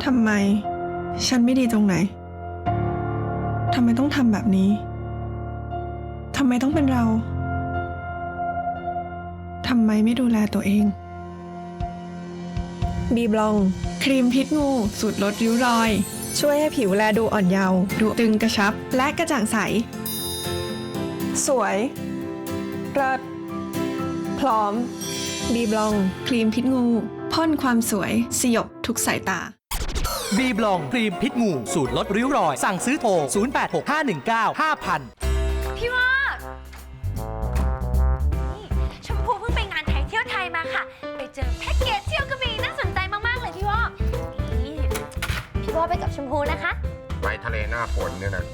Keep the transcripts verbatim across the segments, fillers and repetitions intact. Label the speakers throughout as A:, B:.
A: ทำไมฉันไม่ดีตรงไหนทำไมต้องทำแบบนี้ทำไมต้องเป็นเราทำไมไม่ดูแลตัวเองบีบลองครีมพิษงูสูตรลดริ้วรอยช่วยให้ผิวแลดูอ่อนเยาว์ดูตึงกระชับและกระจ่างใสสวยเลิศพร้อมบีบลองครีมพิษงูพ่นความสวยสยบทุกสายตา
B: บีบลองครีมพิษงูสูตรลดริ้วรอยสั่งซื้อโทรศูนย์ แปด หก ห้า หนึ่ง เก้า ห้า พัน
C: พี่ว่านี่ชมพูเพิ่งไปงานไทยเที่ยวไทยมาค่ะไปเจอแพ็กเกจเที่ยวกระบี่น่าสนใจมากๆเลยพี่ว่านี่พี่ว่าไปกับชมพูนะคะ
D: ไปทะเลหน้าฝนเนี่ยนะ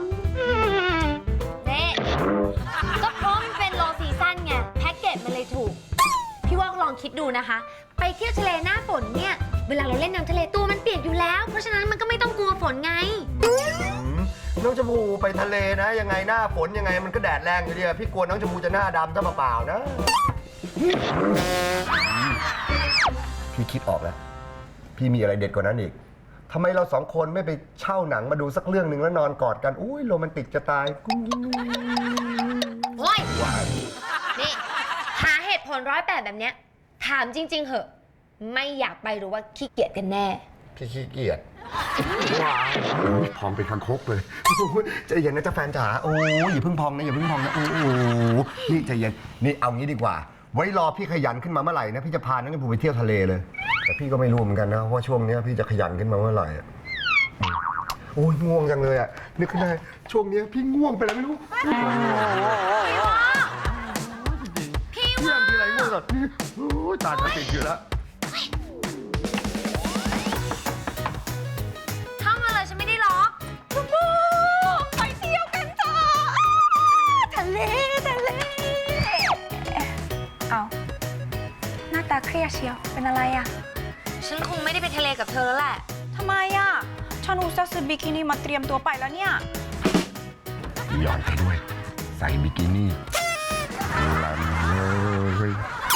C: เน่ก็เพราะมันเป็นโลซีซั่นไงแพ็กเกจมันเลยถูกพี่ว่าลองคิดดูนะคะไปเที่ยวทะเลหน้าฝนเนี่ยเวลาเราเล่นน้ำทะเลตัวมันเปียกอยู่แล้วเพราะฉะนั้นมันก็ไม่ต้องกลัวฝนไง
D: น้องชมพูไปทะเลนะยังไงหน้าฝนยังไงมันก็แดดแรงอยู่ดีพี่กลัวน้องชมพูจะหน้าดำถ้าเปล่าๆนะพี่คิดออกแล้วพี่มีอะไรเด็ดกว่านั้นอีกทำไมเราสองคนไม่ไปเช่าหนังมาดูสักเรื่องหนึ่งแล้วนอนกอดกันอุ้ยโรแมนติกจะตาย
C: โอ้ยนี่หาเหตุผลร้อยแปดแบบเนี้ยถามจริงๆเหอะไม่อยากไปหรือว่าขี้เกียจกันแน่
D: พี่ขี้เกียจว้าวพร้อมเป็นคังคกเลยใจเย็นนะจ๊ะแฟนจ๋าโอ้ยอย่าเพิ่งพองนะอย่าเพิ่งพองนะโอ้โหนี่ใจเย็นนี่เอางี้ดีกว่าไว้รอพี่ขยันขึ้นมาเมื่อไหร่นะพี่จะพาน้องชมพูไปเที่ยวทะเลเลยแต่พี่ก็ไม่รู้เหมือนกันนะว่าช่วงนี้พี่จะขยันขึ้นมาเมื่อไหร่โอ้ยง่วงจังเลยอ่ะนึกขึ้นได้ช่วงนี้พี่ง่วงไปแล้วไม่รู้
C: พี่วะพี่วะ
D: พี่อะไรง่วงก่อนโอ้ยตาจะติดอยู่แล้ว
C: เข้ามาเลยฉันไม่ได้ล็อกชมพูไปเที่ยวกันจ้าทะเลทะเล
E: เอาหน้าตาเครียดเชียวเป็นอะไรอ่ะ
C: ฉันคงไม่ได้ไปทะเลกับเธอแล้วแหละ
E: ทำไมอ่ะฉันอุตส่าห์ซื้อบิกินี่มาเตรียมตัวไปแล้วเนี่ย
D: ย้อนไปด้วยใส่บิกินี่ลันเลย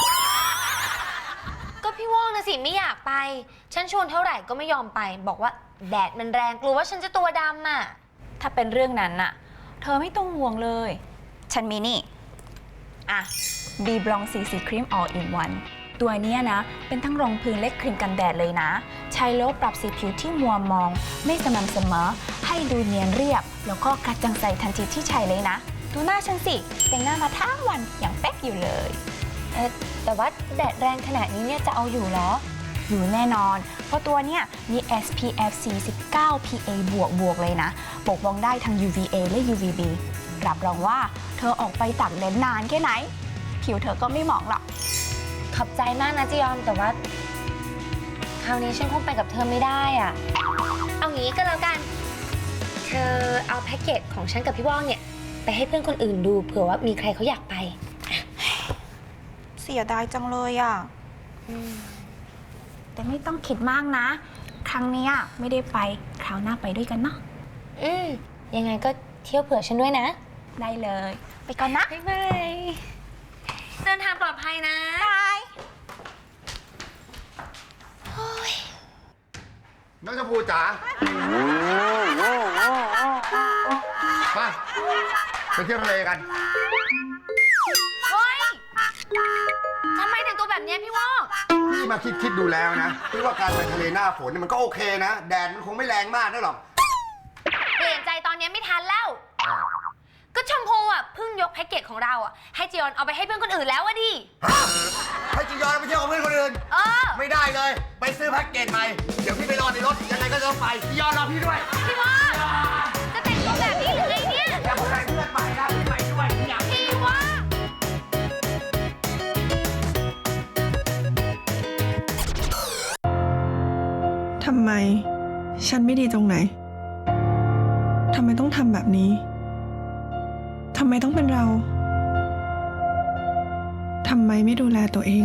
C: ก็พี่ว่องนะสิไม่อยากไปฉันชวนเท่าไหร่ก็ไม่ยอมไปบอกว่าแดดมันแรงกลัวว่าฉันจะตัวดำอ่ะ
E: ถ้าเป็นเรื่องนั้นน่ะเธอไม่ต้องห่วงเลยฉันมีนี่อ่ะบีบลองซีซีครีม all in one ตัวนี้นะเป็นทั้งรองพื้นและครีมกันแดดเลยนะใช้แล้วปรับสีผิวที่มัวมองไม่สม่ำเสมอให้ดูเนียนเรียบแล้วก็กระจ่างใสทันทีที่ใช้เลยนะดูหน้าฉันสิแต่งหน้ามาทั้งวันอย่างเป๊กอยู่เลย
C: เอ๊ะแต่ว่าแดดแรงขนาดนี้เนี่ยจะเอาอยู่เหรอ
E: อยู่แน่นอนเพราะตัวเนี้ยมี เอส พี เอฟ สี่สิบเก้า พี เอ บวกบวกเลยนะปกป้องได้ทั้ง ยู วี เอ และ ยู วี บี รับรองว่าเธอออกไปตากแดดนานแค่ไหนผิวเธอก็ไม่หมองหรอก
C: ขอบใจมากนะจียอนแต่ว่าคราวนี้ฉันคงไปกับเธอไม่ได้อ่ะเอางี้ก็แล้วกันเธอเอาแพ็กเกจของฉันกับพี่ว่องเนี่ยไปให้เพื่อนคนอื่นดูเผื่อว่ามีใครเขาอยากไป
E: เสียดายจังเลยอ่ะแต่ไม่ต้องคิดมากนะครั้งนี้ไม่ได้ไปคราวหน้าไปด้วยกันเนาะ
C: อืมยังไงก็เที่ยวเผื่อฉันด้วยนะ
E: ได้เลยไปก่อนนะ
C: บ๊ายบายเดินทางปลอดภัยนะ
E: บาย
D: น้องชมพูจ๋าไปไปเที่ยวทะเลกัน
C: เฮ้ยทำไมแต่งตัวแบบนี้พี่ว่อง
D: พี่มาคิดคิดดูแล้วนะพี่ว่าการไปทะเลหน้าฝนมันก็โอเคนะแดดมันคงไม่แรงมากนะหรอก
C: เปลี่ยนใจตอนนี้ไม่ทันแล้วก็ชมพูอ่ะเพิ่งยกแพ็กเกจของเราอ่ะให้จียอนเอาไปให้เพื่อนคนอื่นแล้วอะดิ
D: ให้จียอนไปเที่ยวกับเพื่อนคนอื่น
C: เออ
D: ไม่ได้เลยไปซื้อแพ็กเกจใหม่เดี๋ยวพี่ไปรอในรถยังไงก็ต้องไปจียอนรอพี่ด้วย
C: พี่ว่าจะแต่งตัวแบบนี้หรือไงเนี่ย
D: อย่าไปเพื่อนไปนะพี่ไปด้วยอยาก
C: พี่ว่า
A: ทำไมฉันไม่ดีตรงไหนทำไมต้องทำแบบนี้ทำไมต้องเป็นเราทำไมไม่ดูแลตัวเอง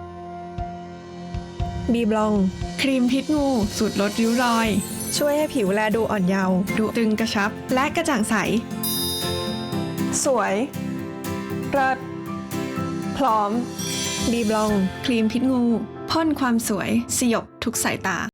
A: บีบลองครีมพิษงูสูตรลดริ้วรอยช่วยให้ผิวแลดูอ่อนเยาว์ดูตึงกระชับและกระจ่างใสสวยเลิศพร้อมบีบลองครีมพิษงูพ่นความสวยสยบทุกสายตา